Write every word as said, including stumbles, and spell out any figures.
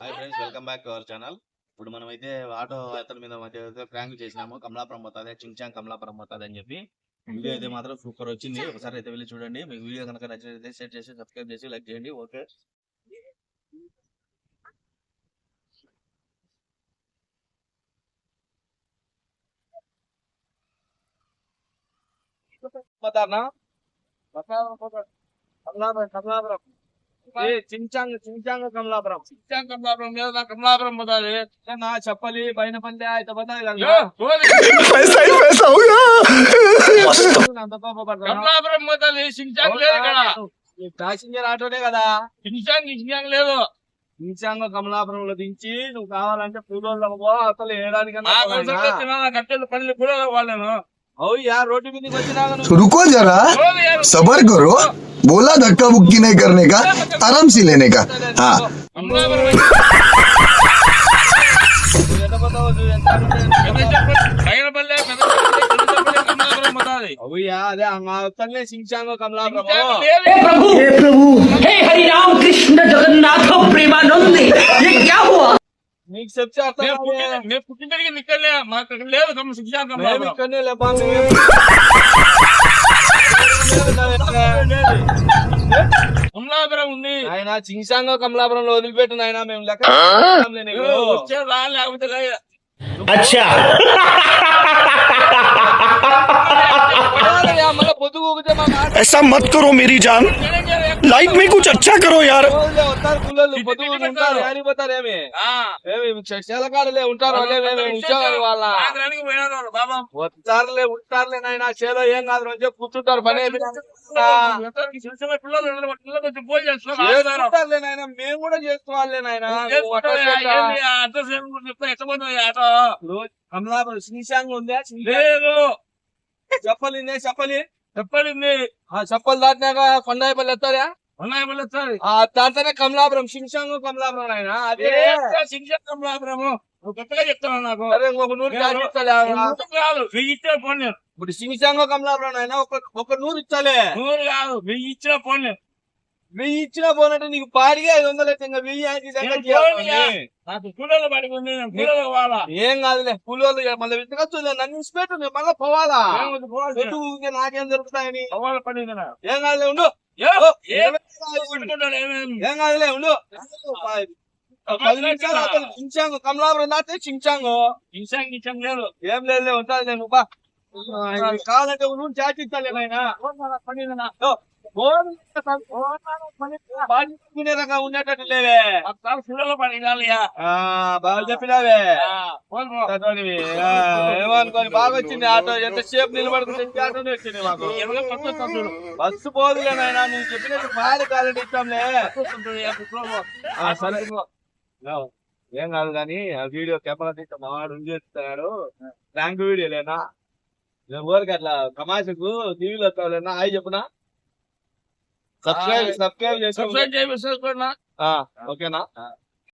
Hi friends, welcome back to our channel. ఇప్పుడు మనం అయితే ఆటో అతని మీద మధ్య ప్రాంక్ చేసినాము. కమలాపురం పోతుంది, చించాంగ్ కమలాపురం పోతుంది అని చెప్పి వీడియో అయితే మాత్రం సూపర్ వచ్చింది. ఒకసారి అయితే వెళ్ళి చూడండి. మీకు వీడియో కనుక నచ్చినట్లయితే షేర్ చేసి సబ్స్క్రైబ్ చేసి లైక్ చేయండి. ఓకే, కమలాపురం చించాంగ్ చించాంగ్ కమలాపురం చించాంగ్ కమలాపురం లేదా కమలాపురం బతాలి నా చెప్పలి పైన పందే అయితే కమలాపురం బతాలి చించాంగ్ లేదు ఇక్కడ ప్యాసింజర్ ఆటోనే కదా. చించాంగ్ చించాంగ్ లేదు. చించాంగ్ కమలాపురంలో దించి నువ్వు కావాలంటే పూలలో అసలు వేయడానికన్నా కట్టెలు పనులు కూడా వాళ్ళను అవుయా रोटी भी नहीं बचना। रुको जरा, सबर करो। बोला धक्का मुक्की नहीं करने का, आराम से लेने का। हाँ అవుయా అదే అతనే చించాంగ్ కమలాపురం. हे प्रभु, हे हरि राम कृष्ण जगन्नाथ प्रेमानंद, ये क्या हुआ? నీకు చెప్తే అర్థం మేము పుట్టినకి నిక్కలే మాకు లేదు చించాంగ్ కమలాపురం ఇక్కడనే లేపా కమలాపురం ఉంది. ఆయన చించాంగ్ కమలాపురంలో వదిలిపెట్టిన ఆయన మేము లెక్క వచ్చే రా లేకపోతే లేదు. अच्छा మళ్ళీ పొద్దు ఊగితే మా మాట ऐसा मत करो मेरी जान, लाइफ में कुछ अच्छा करो यार। వస్తారు పుల్లలు పొద్దు ఊగి ఉంటారు ఏమిపోతారు ఏమి ఏమి చేలకాడలే ఉంటారు ఉద్యోగాలు వాళ్ళ ఆగ్రానికి పోయినారు వాళ్ళు బాబా. వస్తారులే ఉంటారులే నాయన చేలో ఏం కాదు రోజు కూర్చుంటారు పని పిల్లలు పిల్లలు వచ్చి పూజ చేస్తున్నారు. చేసుకుంటారులే నాయన మేము కూడా చేసుకోవాలే నాయన అడ్రస్ చెప్తా ఎట్టబోతుంది ఆటో కమలాపురం శ్రీశాంగ్ ఉందా లేదు చెప్పలి చెప్పలి చెప్పడింది చెప్పలు దాటినాక కొండాయిపల్లి వస్తారా ఉన్నాయి మళ్ళీ వస్తుంది. దాంతోనే కమలాపురం శ్రీశాంగ్ కమలాపురం ఆయన అదే చించాంగ్ కమలాపురము నువ్వు కొత్తగా చెప్తున్నావు నాకు. అరే ఒక నూరు కాదు వెయ్యి ఇచ్చిన ఫోన్ నేను ఇప్పుడు శ్రీశాంగ్ కమలాపురం ఆయన ఒక ఒక నూరు ఇచ్చాలే. నూరు కాదు వెయ్యి ఇచ్చిన ఫోన్ నేను వెయ్యి ఇచ్చిన పోనంటే నీకు పాడిగా ఐదు వందలు అయితే ఇంకా వెయ్యి అయితే నాకు కూలర్లు పడుకుంది నేను కూలర్లు పోవాలా ఏం కాదులే కూలోళ్ళు మళ్ళీ వెతకచ్చు నన్ను ఇన్స్పెక్ట్ మళ్ళీ పోవాలా ఎటు ఊరికే నాకేం జరుగుతాయని పోవాల పడింది నాకు. ఏం కాదులే ఉండు ఏం పెట్టుకుంటాడు ఏమేమి ఏం కాదులే ఉండు పది నిమిషాలు అతను చించాంగ్ కమలాపురం దాటే చించాంగ్ చించాంగ్ చించాంగ్ లేదు. ఏం లేదు ఉంటుంది నేను బా కావాలంటే నువ్వు చాట్ ఇస్తాలే ఆయన పడింది నాకు. బాగునే రకం ఉండేటట్టు లేవే ఒకసారి కూలర్లు పడింది బాగా చెప్పినావే ఏమనుకోని బాగా వచ్చింది ఆటో ఎంతసేపు నిలబడుకుంటే ఆటోనే వచ్చింది మాకు బస్సు పోదులే నాయన నువ్వు చెప్పినట్టు బాగా కాలంటే ఇస్తాంలే సరే ఏం కాదు కానీ ఆ వీడియో కెమెరా తీస్తే మావాడు ఉంచేస్తున్నాడు ర్యాంక్ వీడియో లేనా ఊరికి అట్లా తమాషకు టీవీలో వస్తావులేనా హాయ్ చెప్పునా సబ్స్క్రైబ్ సబ్స్క్రైబ్ చేసి సబ్స్క్రైబ్ చేసి ఓకేనా